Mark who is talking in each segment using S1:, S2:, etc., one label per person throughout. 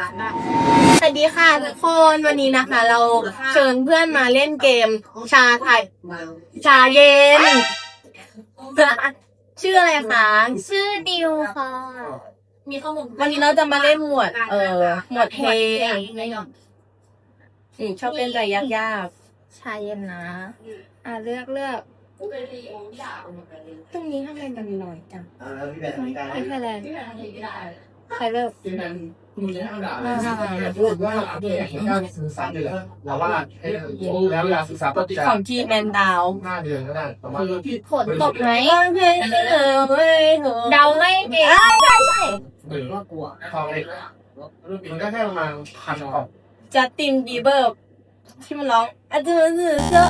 S1: ได้สวัสดีค่ะทุกคนวันนี้นะคะเราเชิญเพื่อนมาเล่นเกมชาไทยชาเย็นชื่ออะไรคะชื่อดิวค่ะมีข้อมูลวันนี้เราจะมาเล่นหมวดหมวดเพลงชอบเล่นอะไรยากๆชาเย็นนะเลือกตรงนี้ทำไมมันน้อยจังไม่ใช่แล้วใครเลิก
S2: แล้วยาศึกษาก็จะ
S1: ของทีแมนดาว
S2: 5 เดือนก็ได้ประมาณ
S1: ฝนตกไหมเดาไม่เก่งใช่
S2: หรือว่ากลัวทองเล็กมันก็แค่ประมาณ1,000 ออก
S1: จัสตินบีเบอร์ที่มันร้องเจอ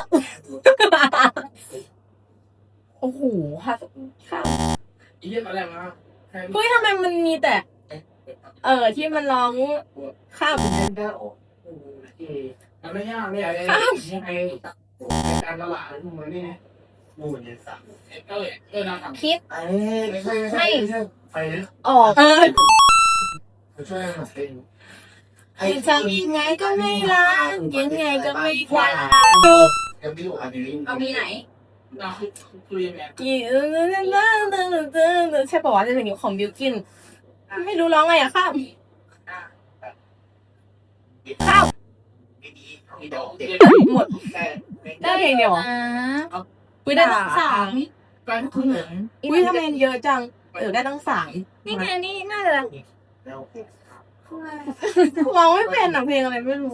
S1: โอ้โหค่ะ
S2: อีเยี่ยมอะไรมา
S1: เฮ้ยทำไมมันมีแต่ที่มันร้องข้าม
S2: มันไม่ยากเนี่ยยังไงการตลาดมันนี่มูนเนี่ยสัก
S1: คิด
S2: ไม่ไป
S1: ออก
S2: ช่วยหน่อย
S1: ทำยังไงก็ไม่รักยังไงก็ไม่คว้า
S2: เอามีไหน
S1: ใช่ป่าวว่าจะเป็นของบิวกินไม่รู้ร้องไงข้ามหมดได้เพลงเดียวอุ้ยได้ตั้ง3อุ้ยทำไมเยอะจังได้ตั้ง3นี่ไงนี่น่าจะร้องไม่เป็นเพลงอะไรไม่รู้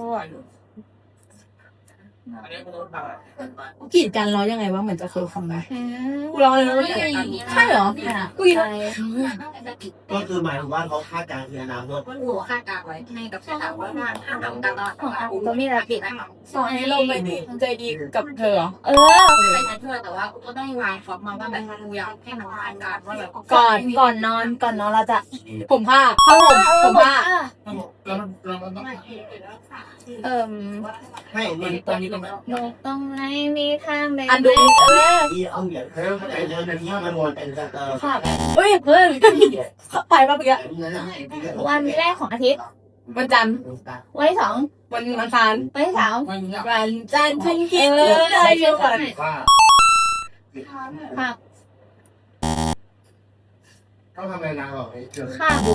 S1: กีดกันร้องยังไงวะเหมือนจะเคยฟังไหมกูร้องเลยใช่เหรอกู
S3: ก็คือหมายถึงว่าเขาคาดการณ์คืออนาคต
S4: หัวคาดการไว้ให้กับสถาบันงานทำตลอดของอา
S1: ก็มีระเบียบสอนให้เราไปใจดีกับเธอ
S4: ไปใช้เพื่อแต่ว่าก็ต้องวางฟอกมาว่าแบบกูอยากให้มันคาดการว่าแบบ
S1: ก่อนนอนเราจะผมผ้าผมผ้า
S3: ให้ตอนนี้ก็
S4: ตรงไหนมีทางใด
S1: ดู
S3: เอาเหรียญเขาไปเดินในที่มันวนเป็น
S1: เฮ้ยเพื่อนไปมาเมื่อกี้
S4: วันแรกของอาทิตย์
S1: วันจันทร์
S4: วันที่2
S1: วันอังคาร
S4: วันที่3
S1: วันจันทร์ฉันคิดได้เยอะกว่า
S4: ค่ะ
S2: เขาทำอะไรนะบอก
S4: ข้าม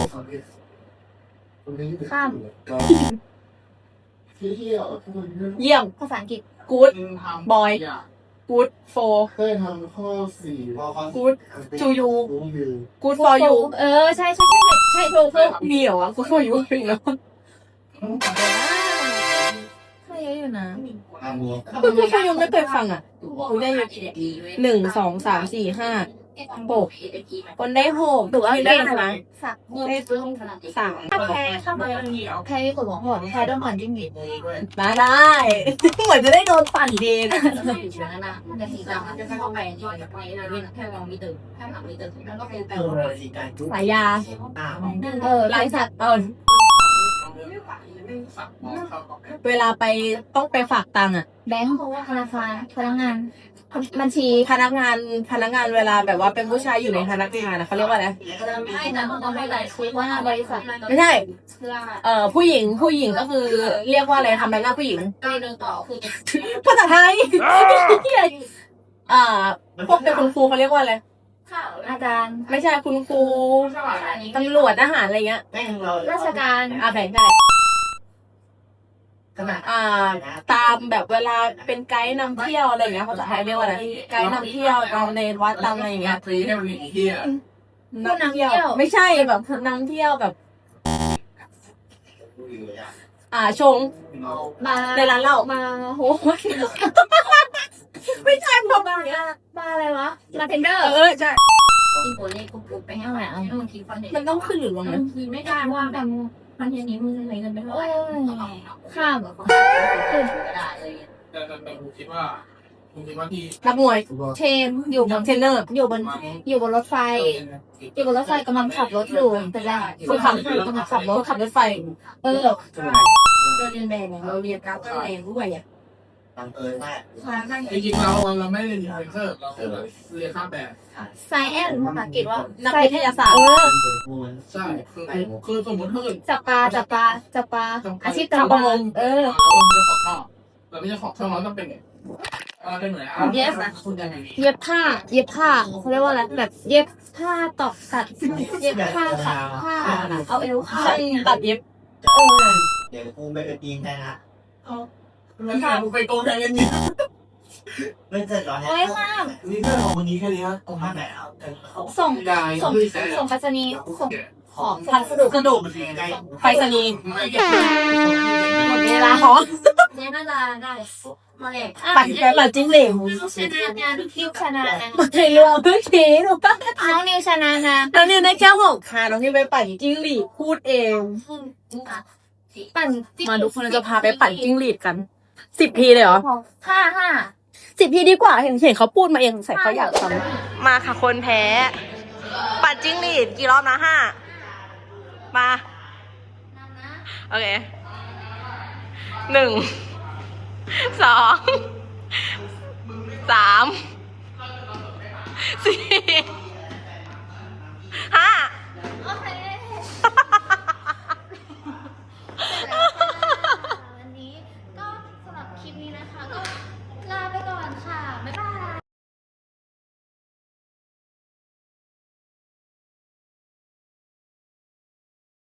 S1: เยี่ยม
S4: ภาษาอังกฤษ
S1: good boy good for
S2: เคยทำข้อ4
S1: good to you good for you
S4: ใช่ถูก
S1: มีเหรอวะ good for you จริงแล้ว
S4: ก็เยอะอยู่นะ
S1: good for you ไม่เคยฟังได้1 2 3 4 5 6คนได้6ถือว่าได้ไหมได้3
S4: แพ้กดหัวหอนแพ้โดนปั่นจิ้งหรีด
S1: มาได้เหมือนจะได้โดนปั่นดี
S4: นะจะสีดำจะเข้าไปที่ไปเลยแค่ลองมีตึกแค่หลังมีตึกแล้วก็เป็นแปล
S1: สายยา
S4: ลายสัตว์
S1: เวลาไปต้องไปฝากตังค์
S4: แบงค์เพราะว่าธนาคารพนักงานบัญชี
S1: พนักงานเวลาแบบว่าเป็นผู้ชายอยู่ในพนักงานเขาเรียกว่าอะไร
S4: ไม่แต่ต้องไม่ได้คุยว่าบริษัท
S1: ไม่ใช่ผู้หญิงก็คือเรียกว่าอะไรทำไมหน้าผู้หญิง
S4: ก็เดินต่อคือ
S1: ภาษาไทยพวกเป็นคุณครูเขาเรียกว่าอะไร
S4: อาจารย์
S1: ไม่ใช่คุณครูตำรวจทหารอะไรเงี้ย
S4: ราชการ
S1: แผงได้ตามแบบเวลาเป็นไกด์นำเที่ยวอะไรอย่างเงี้ยภาษาไทยเรียกว่าอะไรไกด์นำเที่ยวตามในวัดตามอะไรอย่างเงี้ยนำเที่ยวไม่ใช่แบบนำเที่ยวแบบชงในร้านเหล้า
S4: มาโห
S1: ไม่ใช่พอ
S4: มาอะไรวะมาเทนเดอร์
S1: ใช่
S4: อีโกเล่กุ๊บไปให้ไหน
S1: มันต้องขึ้นหรือลงนะ
S4: ไม่ได้ว่าแต่มันอย่างนี้มึงใช้เงินไปเท่าไหร่ข้ามขึ้นก็ได้เลย
S2: แต่ผมคิดว่าที่
S1: นักมวย
S4: เชนอยู่บน
S1: เทรนเนอร์
S4: อยู่บนรถไฟกำลังขับรถอยู่แต่แรก
S1: คือ
S4: กำลังขับ
S1: รถไฟ
S4: เราเรียนแบบเราเรียนการแสดงด้วย
S3: บังเอิญว่า
S2: จริงๆเราไม่ได้เรียนเพิ่มเราเรียนข้ามแบบ
S4: ไซแอนภาษาอังกฤษว่า
S1: นักวิทยาศาสตร์
S2: ใช่คือสมมติถ้าเกิด
S4: จับปลาอาชีพจับ
S1: ชาวประมง
S2: เราจะขอข้าวเราไม่ใช่ขอข้าวเราต้องเป็นไงเป็นเหมือน
S4: เย็บผ้าเขาเรียกว่าอะไรแบบเย็บผ้าตอกสัตว์เย็บผ้าขัดผ้าเอาเอวผ้า
S1: ตัดเย็บ
S3: เดี๋ยวกูไปยิงได้ละ
S2: แล้วถ้าไปโกงแทนกันนี่
S3: ไม่เสร็จหรอเนี่ย
S4: โอ้ยมาก
S3: นี่เพื่อนของมึงนี้แค่นี้ตรงท่าไหนเอา
S4: ส่ง
S2: ได้
S4: ส่งไปรษณีย์ส่ง
S3: ของ
S1: พัสดุ
S3: กระดูกมันเป็นยังไง
S1: ไปรษณีย์
S2: ไม่เก็บ
S1: หมดเวลาของ
S4: เนี่ยน่าจะได้มาเลย
S1: ปั่นไปปั่นจิ้งเหลว
S4: ชนะงานคิวชนะนะ
S1: มาเทเรือพื้นทีหนูป่ะ
S4: น้องนิวชนะนะ
S1: น้องนิวได้แค่6 ค่ะน้องนิวไปปั่นจิ้งหรีดพูดเอง
S4: ปั่น
S1: มาทุกคนเราจะพาไปปั่นจิ้งหรีดกัน10 ทีเลยเหรอ
S4: ห้า
S1: 10 ทีดีกว่าเห็นเขาพูดมาเองใส่เขาอยากทำมาค่ะคนแพ้ ปั่นจิ้งหรีดกี่รอบนะ5มาโอเค1 2 3 4